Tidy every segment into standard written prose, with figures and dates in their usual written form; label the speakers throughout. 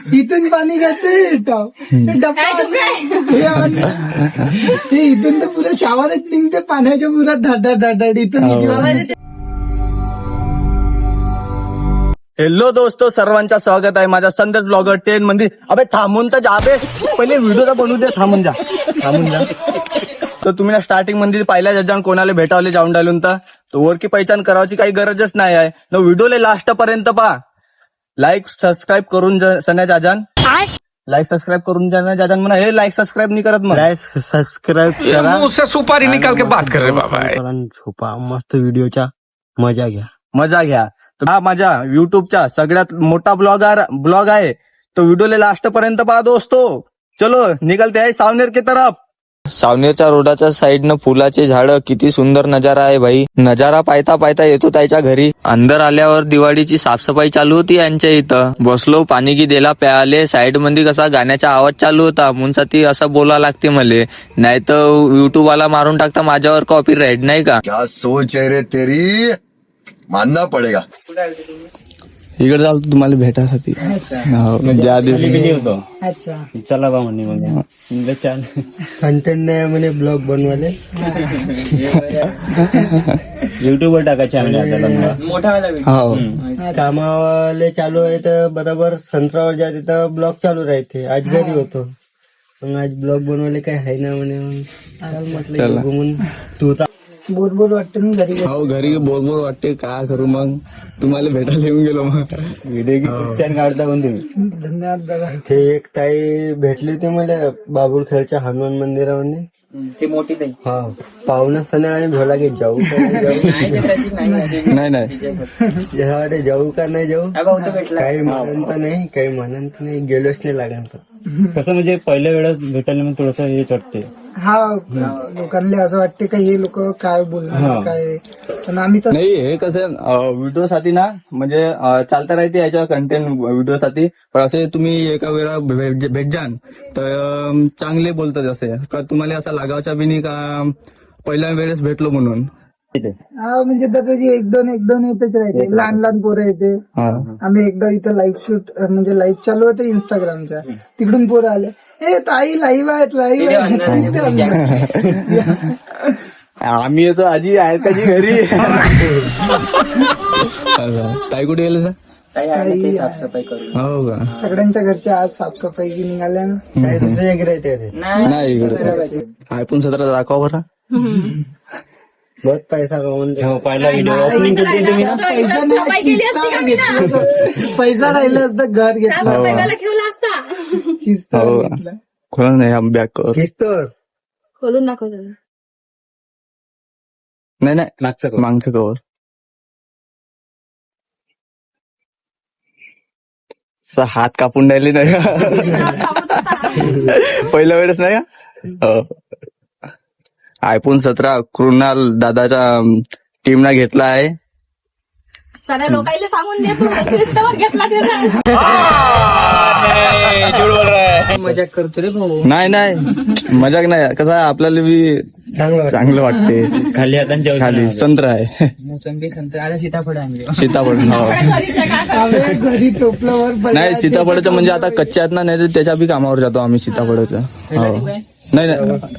Speaker 1: इथून पाणी घेते डब्बा हे इथून तर पुढे शावरच निघते पाण्याच्या पुरात धाड इथून निघालं.
Speaker 2: हॅलो दोस्तो, सर्वांचं स्वागत आहे माझ्या संदेश ब्लॉगर 10 मध्ये. अबे थांबून तर जा बे, पहिले व्हिडिओ बनवू दे. थांबून जा. तर तुम्ही ना स्टार्टिंग मध्ये पहिल्या जजान कोणाला भेटावले जाऊन डालून तर वरकी पहिचान करायची काही गरजच नाही आहे न. व्हिडिओला लास्ट पर्यंत पहा. लाईक सबस्क्राईब करून सन्या जाजान लाईक सबस्क्राईब करून जाजान म्हणा. हे लाईक सबस्क्राईब नाही करत मग. लाईक सबस्क्राईब करा.
Speaker 3: मुझसे सुपारी निकाल के बात कर रहे बाबा.
Speaker 2: झोपा मस्त व्हिडिओच्या मजा घ्या. हा माझ्या युट्यूबचा सगळ्यात मोठा ब्लॉग आहे. तो व्हिडिओला लास्ट पर्यंत पहा दोस्तो. चलो निकलते आहे सावनेर की तरफ.
Speaker 4: सावनेरच्या रोडाच्या साईडनं फुलाचे झाडं, किती सुंदर नजारा आहे भाई. नजारा पाहता पाहता येतो त्याच्या घरी. अंदर आल्यावर दिवाळीची साफसफाई चालू होती यांच्या इथं. बसलो, पाणी की दिला प्याले. साईड मध्ये कसा गाण्याचा आवाज चालू होता म्हणून साठी असं बोला लागते मले, नाही तर युट्यूब वाला मारून टाकता माझ्यावर कॉपीराईट, नाही का.
Speaker 5: क्या सोच है रे तेरी, मानना पडेगा.
Speaker 2: इकडे चालतो तुम्हाला भेटासाठी. ज्या दिवशी
Speaker 1: अच्छा
Speaker 2: चला बा म्हणजे
Speaker 1: कंटेंट नाही म्हणे ब्लॉग बनवाले.
Speaker 2: युट्यूबवर टाकायचे
Speaker 1: हो कामावाले चालू आहे तर बरोबर संत्रावर ज्या तिथं ब्लॉग चालू राहते. आज घरी होतो मग आज ब्लॉग बनवाले काय आहे ना म्हणे. मग म्हटलं घुमून तू बोर वाटते ना घरी.
Speaker 2: हो घरी बोर वाटते. काय करू मग, तुम्हाला भेटायला येऊन गेलो. मग व्हिडिओ छान काढता पण तुम्ही.
Speaker 1: धन्यवाद दादा. ते एक ताई भेटली होती मला बाबुळखेडच्या हनुमान मंदिरामध्ये.
Speaker 6: ते मोठी नाही.
Speaker 1: हा पाहुणा सण आणि भोला की जाऊ का
Speaker 2: नाही
Speaker 1: नाही जाऊ का नाही जाऊ काही म्हणत नाही, काही म्हणत नाही. गेलोच नाही लागत.
Speaker 2: कसं म्हणजे पहिल्या वेळेस भेटायला मग थोडस हे वाटते.
Speaker 1: हा लोकांना असं वाटते का हे लोक काय बोलणार काय. पण आम्ही तर
Speaker 2: नाही, हे कसं व्हिडिओ साठी ना म्हणजे चालता राहते याच्या कंटेंट व्हिडिओ साठी. पण असे तुम्ही एका वेळा भेट जान तर चांगले बोलतात. असे का तुम्हाला असा लागावचा बी नाही का पहिल्या वेळेस भेटलो म्हणून.
Speaker 1: हा म्हणजे दादाजी एक दोन येतच राहते. लहान पोरं येते. आम्ही एकदा इथं लाईव्ह शूट म्हणजे लाईव्ह चालू होते इंस्टाग्रामच्या. तिकडून पोरं आले, हे ताई लाईव्ह आहेत
Speaker 2: आम्ही येतो आजी आहेत का जी घरी. ताई कुठे गेले
Speaker 6: साफसफाई करून.
Speaker 2: हो का.
Speaker 1: सगळ्यांच्या घरच्या आज साफसफाई निघाल्या ना. काही दुसरे एक राहते
Speaker 2: नाही इकडे iPhone 17 दाखवा बरं.
Speaker 1: बहुत पैसा कमवून
Speaker 2: पहिला व्हिडिओ ओपनिंग केली तुम्ही ना.
Speaker 1: पैसा राहिला असतं घर घेतलं.
Speaker 2: खोला नाही बॅक कर.
Speaker 1: किस्तवर
Speaker 7: खोलून दाखवतो.
Speaker 2: नाही मागचं कवर. हात कापून राहिले नाही का पहिल्या वेळेस नाही का. iPhone 17 कृणाल दादाच्या टीमना घेतला आहे.
Speaker 7: सगळ्या लोकांना सांगून देतो घेतला.
Speaker 6: मजाक करतो रे भाऊ.
Speaker 2: नाही मजाक नाही. कसं आहे आपल्याला बी चांगलं वाटते. खाली आता खाली संत्रा आहे.
Speaker 6: मोसंबी संत्रा आता सीताफळ आणले.
Speaker 2: सीताफळ
Speaker 1: घरी टोपल्यावर
Speaker 2: नाही. सीताफळाचं म्हणजे आता कच्च्या आहेत ना, नाही तर त्याच्या बी कामावर जातो आम्ही सीताफळाचं. हो नाही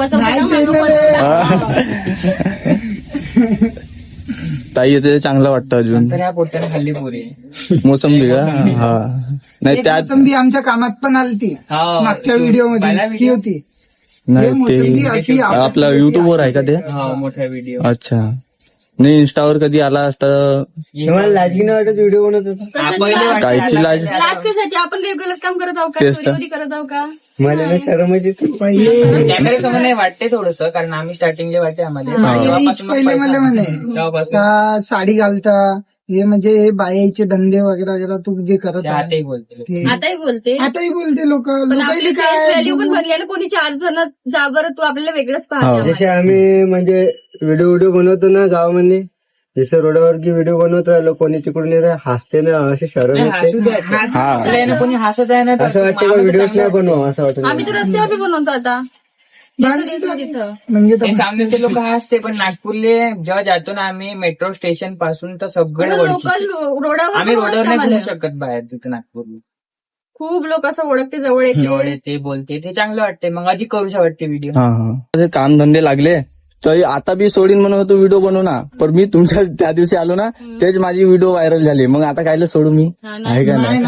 Speaker 2: ताई येते चांगलं वाटतं अजून.
Speaker 6: तर ह्या पोट्याने खाल्ली पुरी.
Speaker 2: मोसंबी का. हा नाही त्यात
Speaker 1: मोसंबी आमच्या कामात पण आलती मागच्या व्हिडिओ मध्ये होती.
Speaker 2: नाही ते आपला युट्यूबवर आहे का ते.
Speaker 6: मोठा व्हिडिओ.
Speaker 2: अच्छा नाही इंस्टावर कधी आला असता.
Speaker 1: लाजगी नाही वाटत व्हिडिओ बनवत होता.
Speaker 2: कायची लाज.
Speaker 7: लाज कशाची, आपण रेग्युलर काम करत आहोत का, चोरी करत आहोत का.
Speaker 1: मला ना शरम येते. पहिले
Speaker 6: कॅमेऱ्यासमोर नाही वाटते थोडस, कारण आम्ही स्टार्टिंगला वाटते आम्हाला.
Speaker 1: पहिले मला म्हणे साडी घालता हे म्हणजे हे बायाचे धंदे वगैरे तू जे करत
Speaker 6: आताही बोलते.
Speaker 7: आताही बोलते
Speaker 1: लोक
Speaker 7: आपली व्हॅल्यू पण बनली आणि कोणी 4 जण जा बरं तू आपल्याला वेगळंच पाहते.
Speaker 1: जसे आम्ही म्हणजे व्हिडिओ बनवतो ना गावामध्ये, जसं रोडावर की व्हिडिओ बनवत राहिलो कोणी तिकडून हसते ना, असे शरम येते.
Speaker 6: कोणी हसत आहे ना
Speaker 1: असं वाटतं का व्हिडिओच नाही बनवा असं वाटतं.
Speaker 7: आम्ही तर रस्त्यावर बनवतो आता.
Speaker 1: म्हणजे
Speaker 6: सामनेचे लोक हसते, पण नागपूरले जेव्हा जातो ना आम्ही मेट्रो स्टेशन पासून तर सगळे
Speaker 7: लोकल रोडावर
Speaker 6: आम्ही रोडावर नाही फिरू शकत बाहेर तिथे नागपूरला.
Speaker 7: खूप लोक असं ओळखते जवळ
Speaker 6: जवळ
Speaker 7: येते.
Speaker 6: येते बोलते ते चांगलं वाटते मग अधिक करूशा वाटते व्हिडिओ.
Speaker 2: हा हा काम धंदे लागले तरी आता बी सोडीन म्हणून होतो व्हिडिओ बनवू ना, पण मी तुमच्या त्या दिवशी आलो ना तेच माझी व्हिडिओ व्हायरल झाली, मग आता कायला सोडू मी, आहे का नाही?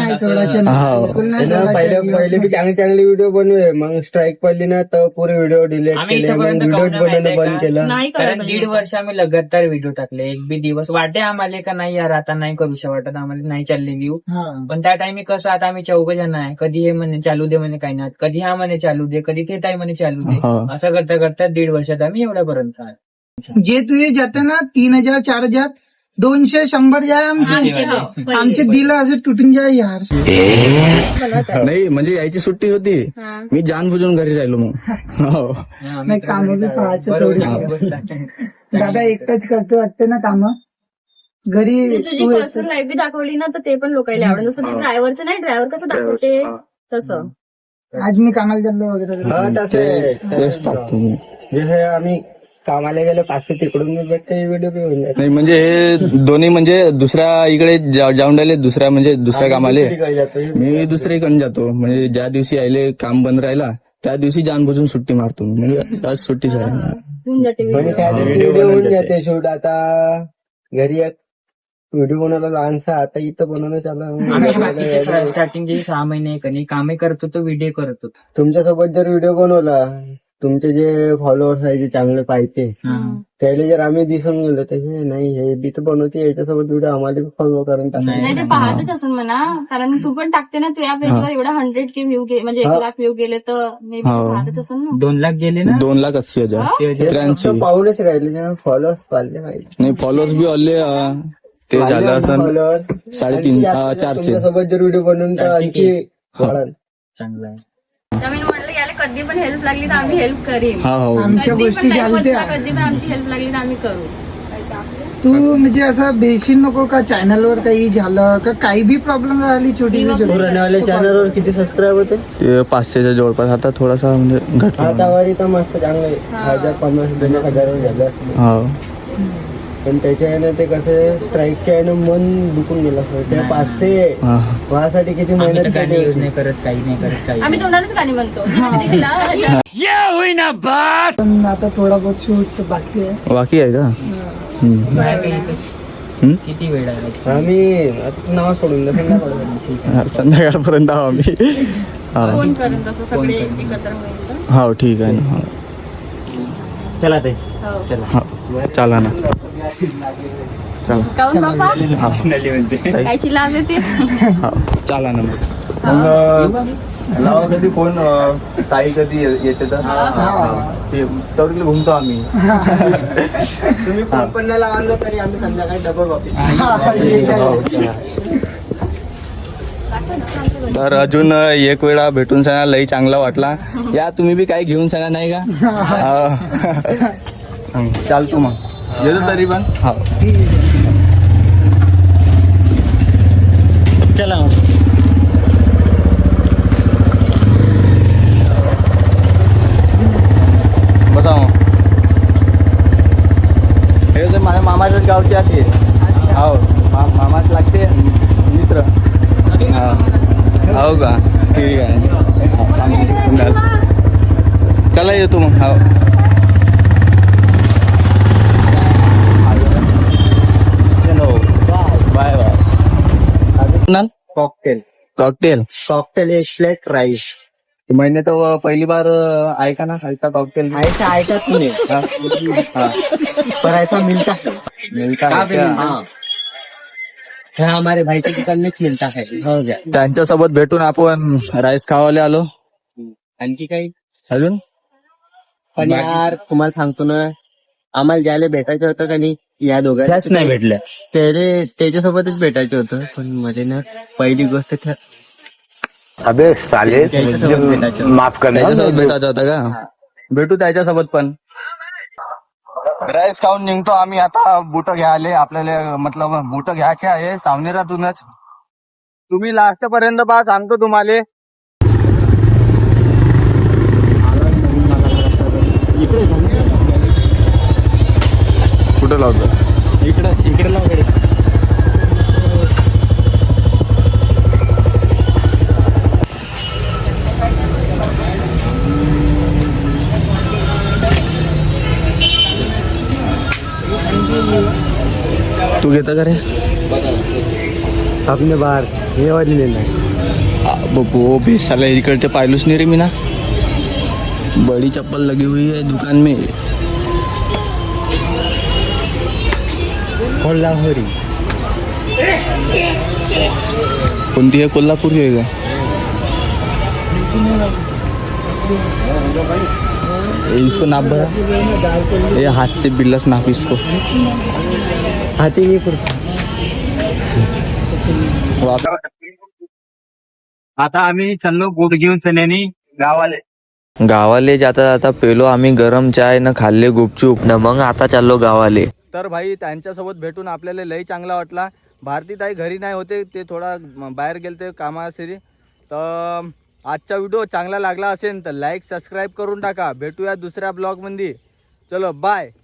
Speaker 1: पहिले बी चांगले व्हिडिओ बनवे, मग स्ट्राईक पडली ना तर पुरे व्हिडिओ डिलीट
Speaker 6: आम्ही
Speaker 1: केले, मग
Speaker 6: इथपर्यंत
Speaker 1: व्हिडिओ
Speaker 6: काहून
Speaker 1: बनवणं
Speaker 6: माहितीये
Speaker 1: बंद
Speaker 6: का?
Speaker 1: केलं.
Speaker 7: नाही
Speaker 6: कारण
Speaker 7: करायला
Speaker 6: 1.5 वर्ष आम्ही लगातार व्हिडिओ टाकले. एक बी दिवस वाटे आम्हाला का नाही यार आता नाही करूशा वाटत आम्हाला, नाही चालले व्ह्यू. पण त्या टाइमी कसं आता आम्ही 4 जण आहे, कधी हे म्हणे चालू दे म्हणे काही नाही, कधी हा म्हणे चालू दे, कधी ते ताई म्हणे चालू दे,
Speaker 2: हा.
Speaker 6: असं करता करता 1.5 वर्षात आम्ही एवढ्यापर्यंत आलो.
Speaker 8: जे तुझे जाते ना 3000 4000 200 100 जाय आमचे दिलं असं तुटून जाय यार.
Speaker 2: नाही म्हणजे यायची सुट्टी होती, मी जानबुजून घरी राहिलो मग. हो.
Speaker 8: नाही काम बी पाहायचं थोडी. दादा एकटाच करतो वाटते ना काम घरी.
Speaker 7: तुझी पर्सनल लाईफ बी दाखवली ना तर ते पण लोकांना आवडेल. जसं ते ड्रायव्हरचं नाही, ड्रायव्हर कसं दाखवते तसं.
Speaker 8: आज मी कामाला चाललो वगैरे.
Speaker 1: हा, तसे
Speaker 2: तेच टाकतो मी.
Speaker 1: जसं आम्ही कामाला गेलो 500 तिकडून मी भेटते व्हिडिओ बी होऊन जाते.
Speaker 2: नाही म्हणजे हे दोन्ही म्हणजे दुसऱ्या इकडे जाऊन राहिले, दुसऱ्या म्हणजे दुसऱ्या कामाले,
Speaker 1: दुसरीकडे जातोय.
Speaker 2: मी दुसरीकडे जातो. म्हणजे ज्या दिवशी आले काम बंद राहिला त्या दिवशी जानबुजून सुट्टी मारतो, म्हणजे आज सुट्टी झाली.
Speaker 7: होऊन जाते
Speaker 1: म्हणजे
Speaker 7: व्हिडिओ.
Speaker 1: त्या व्हिडिओ होऊन जाते शूट. आता घरी एक व्हिडिओ बनवला लहानसा, आता इथं बनवणं चालू.
Speaker 6: स्टार्टिंगचे 6 महिने कधी कामे करत होतो, व्हिडिओ करत होतो.
Speaker 1: तुमच्यासोबत जर व्हिडिओ बनवला, तुमचे जे फॉलोअर्स आहे जे चांगले पाहिजे त्याला जर आम्ही दिसून गेलो तर हे नाही हे बी तर बनवते, याच्यासोबत व्हिडिओ आम्हाला फॉलो करून
Speaker 7: नाही ते पाहतच असेल म्हणा, कारण तू पण टाकते ना, तुझ्या पेजवर एवढा 100K व्ह्यू म्हणजे 1,00,000 व्ह्यू गेले तर मे बी पाहतच असेल ना.
Speaker 6: 2 लाख गेले ना.
Speaker 2: 2,80,000 83.
Speaker 1: पाहूनच राहिले फॉलोअर्स पाहिले पाहिजे.
Speaker 2: नाही फॉलोअर्स बी आले ते झालं असं
Speaker 1: फॉलोअर्स
Speaker 2: 350 400.
Speaker 1: तुमच्यासोबत जर व्हिडिओ बनवून तर आणखी वाढाल.
Speaker 6: चांगलं आहे.
Speaker 7: त्यामुळे म्हटलं याला कधी पण हेल्प लागली तर आम्ही हेल्प करीन.
Speaker 2: हा हो.
Speaker 8: आमच्या
Speaker 7: कधी
Speaker 8: गोष्टी
Speaker 7: पण नाही
Speaker 8: चालते.
Speaker 7: होत ना, कधी पण आमची हेल्प लागली तर आम्ही करू.
Speaker 8: तू म्हणजे असं बेशील नको का चॅनलवर काही झालं का काही बी प्रॉब्लेम राहिली छोटी
Speaker 1: पुराण्यावाल्या चॅनलवर किती सबस्क्राईब होते?
Speaker 2: ते 500च्या जवळपास, आता थोडासा म्हणजे घटला.
Speaker 1: आतावर तर मस्त चांगलं 1,000-1,500 झालं.
Speaker 2: हो.
Speaker 1: पण त्याच्या यानं ते कसं स्ट्राईकच्या यानं मन दुखून गेलं. ते 500
Speaker 2: हा.
Speaker 1: व्हासाठी किती
Speaker 6: आम्ही
Speaker 1: मेहनत
Speaker 6: तर गाणी
Speaker 1: केली
Speaker 6: यूज
Speaker 1: होती.
Speaker 6: नाही करत, काही नाही करत, काही
Speaker 7: आम्ही तोंडानेच गाणी म्हणतो.
Speaker 8: पण आता थोडा बहुत शूट बाकी आहे.
Speaker 2: बाकी आहे का?
Speaker 6: नाही. किती वेळ आहे?
Speaker 1: आम्ही आता नाव सोडून द्या संध्याकाळपर्यंत.
Speaker 2: हा, संध्याकाळपर्यंत आहो आम्ही. हा.
Speaker 7: फोन करून तसं सगळे एकत्र होईल तर.
Speaker 2: हो ठीक आहे ना.
Speaker 1: चला ते
Speaker 7: हो.
Speaker 2: हो. चला ना. चला.
Speaker 7: काहून बाबा
Speaker 2: हा.
Speaker 7: कायची लाज येते.
Speaker 2: हो. चला ना मग लावा कधी फोन ताई कधी येते तर तवरीला घुमतो आम्ही.
Speaker 1: तुम्ही फोन पण नाही लावला तरी आम्ही संध्याकाळी डबल वापस.
Speaker 2: तर अजून एक वेळा भेटून सांगा, लई चांगला वाटला. या तुम्ही बी काही घेऊन सांगा नाही का? चालतो मग येतो तरी पण. हो
Speaker 6: चला
Speaker 2: बसा मग. हे तर माझ्या मामाच्याच गावचे आहे. हो मामाच लागते मित्र. हो का? ठीक आहे. चला येतो मग. हो बाय बाय. कॉकटेल
Speaker 1: एक प्लेट राईस.
Speaker 2: मैंने तो पहली बार ऐका ना खालता कॉकटेल.
Speaker 1: ऐसा ऐका तूने पर ऐसा मिलता है.
Speaker 2: मिलता
Speaker 1: कहाँ
Speaker 2: है
Speaker 1: पे
Speaker 2: क्या?
Speaker 1: मिलता है? हाँ, हमारे भाई की दुकान में मिलता है. हो गया.
Speaker 2: त्यांच्यासोबत भेटून आपण राईस खावायला आलो.
Speaker 1: आणखी काही
Speaker 2: अजून
Speaker 1: पण यार तुम्हाला सांगतो ना, आम्हाला ज्याला भेटायचं होतं का नाही या दोघांनाच नाही भेटलं. त्याच्यासोबतच भेटायचं होतं, पण मध्ये ना पहिली गोष्ट
Speaker 5: अबे साले माफ करना.
Speaker 2: त्याच्यासोबत भेटायचं होतं का? भेटू त्याच्यासोबत पण. राईस खाऊन निघतो आम्ही आता. बुट घ्यायले आपल्याला, मतलब बुट घ्यायचे आहे सावनेरातूनच. तुम्ही लास्ट पर्यंत पहा, सांगतो तुम्हाला. कुठं लावतो?
Speaker 1: इकडे लाव
Speaker 2: घेता का रे
Speaker 1: आपने बाहर ये वाली लेना है.
Speaker 2: वो बेसाला इकडे पाहिलंच नाही रे मी ना. बड़ी चप्पल लगी हुई है दुकान में.
Speaker 1: कोल्हापुरी.
Speaker 2: कोणती आहे कोल्हापूर आहे का. इसको नाप भरा. ये हाथ से बिल्लास नाप इसको.
Speaker 1: हाथी नहीं कुर्ता.
Speaker 6: आता आम्ही चाललो गोड घेऊन सन्यानी गावाले.
Speaker 4: गावाले जाता जाता पेलो आम्ही गरम चाय न खाल्ले गुपचूप न मग आता चाललो गावाले.
Speaker 2: तर भाई त्यांच्यासोबत भेटून आपल्याला लई चांगला वाटला. भारती ताई घरी नाही होते, ते थोडा बाहेर गेलते कामासाठी. तर आजचा व्हिडिओ चांगला लागला असेल तर लाईक सबस्क्राईब करून टाका. भेटूया दुसऱ्या ब्लॉग मध्ये. चलो बाय.